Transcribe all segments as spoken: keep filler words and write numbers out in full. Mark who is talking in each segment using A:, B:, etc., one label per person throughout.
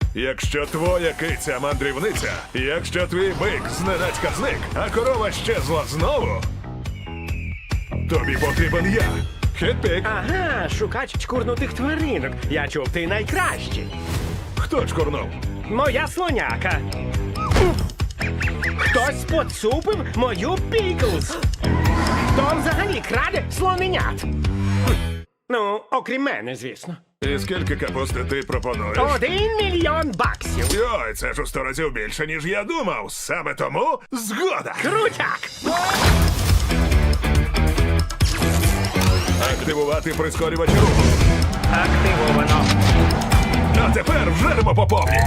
A: Якщо твоя киця мандрівниця, якщо твій бик зненацька зник, а корова щезла знову, тобі потрібен я. Хетпік.
B: Ага, шукач чкурнутих тваринок. Я чув, ти найкращий.
A: Хто чкурнув?
B: Моя слоняка. Хтось поцупив мою Піклз. Хто взагалі краде слоненят? Хм. Ну, окрім мене, звісно.
A: І скільки капусти ти пропонуєш?
B: Один мільйон баксів.
A: Йой, це ж у сто разів більше, ніж я думав. Саме тому згода.
B: Крутяк!
A: Активувати прискорювач руху.
B: Активовано.
A: А тепер вжеремо по повній.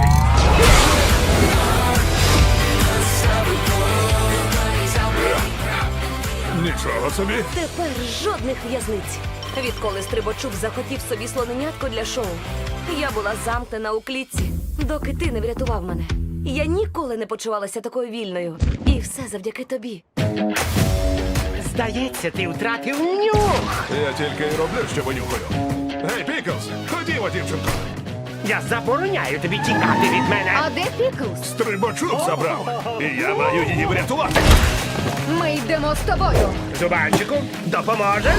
A: Нічого собі.
C: Тепер жодних в'язниць. Відколи Стрибачук захотів собі слоненятко для шоу, я була замкнена у клітці, доки ти не врятував мене. Я ніколи не почувалася такою вільною. І все завдяки тобі.
B: Здається, ти втратив нюх.
A: Я тільки й роблю, що винюхаю. Гей, Піклз, ходімо, дівчинко.
B: Я забороняю тобі тікати від мене.
D: А де Піклз?
A: Стрибачок забрав. І я маю її врятувати.
D: Ми йдемо з тобою.
B: Зубанчику, допоможеш?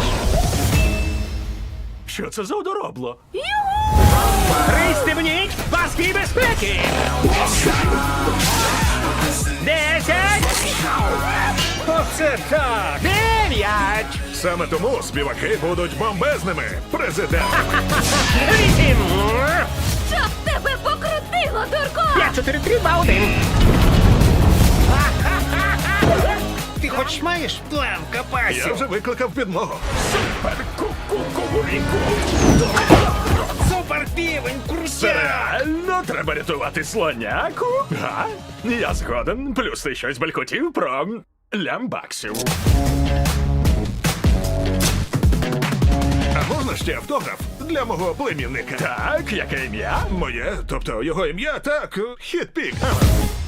B: Що це за одоробло? Пристебніть паски безпеки! Десять! Оце так! Дев'ять!
A: Саме тому співаки будуть бомбезними. Президент.
B: Вісім!
C: Щоб тебе покрутило, дурко!
B: П'ять, чотири, три, два, один! Ти хоч маєш план
A: Я
B: капасів?
A: вже викликав підмогу.
B: Супер півень,
E: Це
B: крутяк!
E: реально треба рятувати слоняку? Га? Я згоден. Плюс ти щось балькотів про лямбаксів.
A: А можна ще автограф для мого племінника?
E: Так, яке ім'я?
A: Моє, тобто його ім'я, так, Хетпік. Ага.